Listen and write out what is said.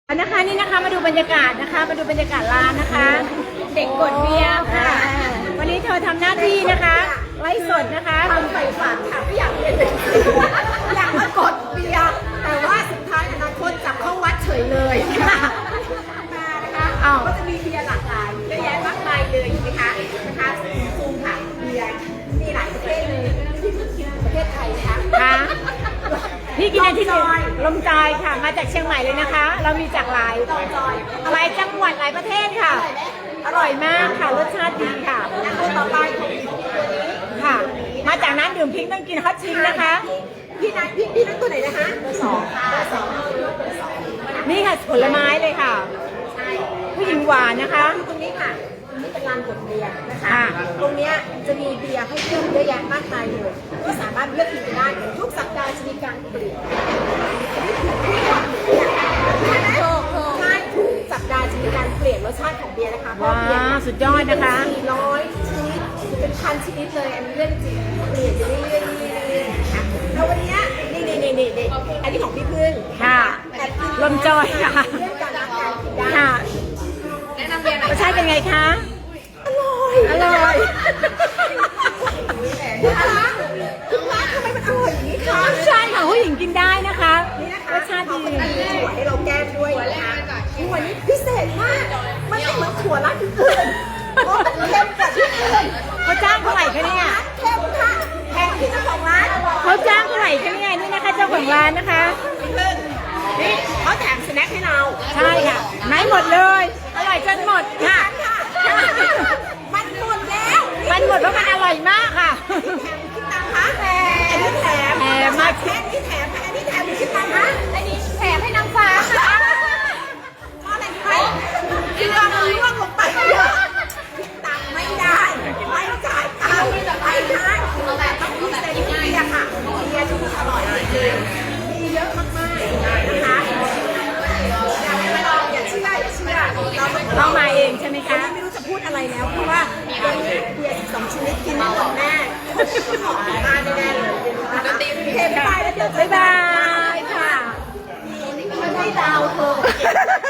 นะคะนี่นะคะมาดูบรรยากาศนะคะมาดูบรรยากาศร้านนะคะ เด็กกดเบียร์ค่ะวันนี้เธอทำหน้าที่นะคะไลฟ์สดนะคะทำไฟฝันค่ะไม่อยากเป็นเด็กอยากมากดเบียร์แต่ว่าสุดท้ายอนาคตจับเข้าวัดเฉยเลยค่ะมานะคะก็จะมีเบียร์หลากหลายเยอะแยะมากมายเลยใช่ไหมคะซูมค่ะเบียร์มีหลายประเทศเลยที่ประเทศไทยนะคะพี่กินที่ลมจอยค่ะมาจากเชียงใหม่เลยนะคะ เรามีจากหลายจังหวัดหลายประเทศค่ะอร่อยมากค่ะรสชาติดีค่ะตัวต่อไปของค่ะมาจากน้ำดื่มพิงค์ต้องกินฮอตชิงนะคะพี่นัทตัวไหนนะคะตัวสองค่ะตัวสองนี่ค่ะผลไม้เลยค่ะใช่ผู้หญิงหวานนะคะตรงนี้ค่ะนี่เป็นลานกดเบียร์นะคะตรงนี้จะมีเบียร์ให้เลือกเยอะแยะมากมายเลยก็สามารถเลือกกินได้ทุกสัปดาห์จะมีการเปลี่ยนใช่ทุกสัปดาห์จะมีการเปลี่ยนรสชาติของเบียร์นะคะเพราะเบียร์สุดยอดนะคะ 400ชนิดเป็นพันชนิดเลยอันนี้เรื่องจริงเปลี่ยนไปเรื่อยๆนะคะแล้ววันนี้นี่อันนี้ของพี่พึ่งค่ะลมจอยค่ะเรื่องการรับการกินได้ค่ะแนะนำเบียร์หน่อยรสชาติเป็นไงคะอร่อยนะคะคุณร้านทำไมมันอร่อยอย่างนี้คะใช่ค่ะผู้หญิงกินได้นะคะรสชาติดีถั่วให้เราแก้ด้วยนะคะถั่วนี้พิเศษมากมันไม่เหมือนถั่วร้านอื่นเพราะมันเข้มกว่าที่อื่นเขาจ้างเท่าไหร่คะเนี่ยเข้มค่ะแพงที่เจ้าของร้านเขาจ้างเท่าไหร่คะเนี่ยนี่นะคะเจ้าของร้านนะคะนี่เขาแถมสแน็คให้เราใช่ค่ะไหนหมดเลยอร่อยจนหมดค่ะมันหมดแล้วมันหมดเพราะมันอร่อยมากค่ะแถมคิดตังค์คะแถมมาแค่นี้แถมอันนี้แถมคิดตังค์คะอันนี้แถมให้นางฟ้าค่ะเพราะอะไรไหมคือเราล่วงลงไปเยอะคิดตังค์ไม่ได้ไม่จ่ายตังค์ไม่ได้แต่ต้องพิเศษเบียร์ค่ะเบียร์ที่อร่อยจริงมีเยอะมากๆนะคะอยากให้มาลองอย่าเชื่อเรามาเองใช่ไหมคะไม่รู้จะพูดอะไรแล้วเพราะว่าเบียร์2ชนิดกินไม่หมดแน่ขอบ้านแน่เลยเค็มไปแล้วเดี๋ยวบ๊ายบายค่ะไม่ได้ดาวเธอ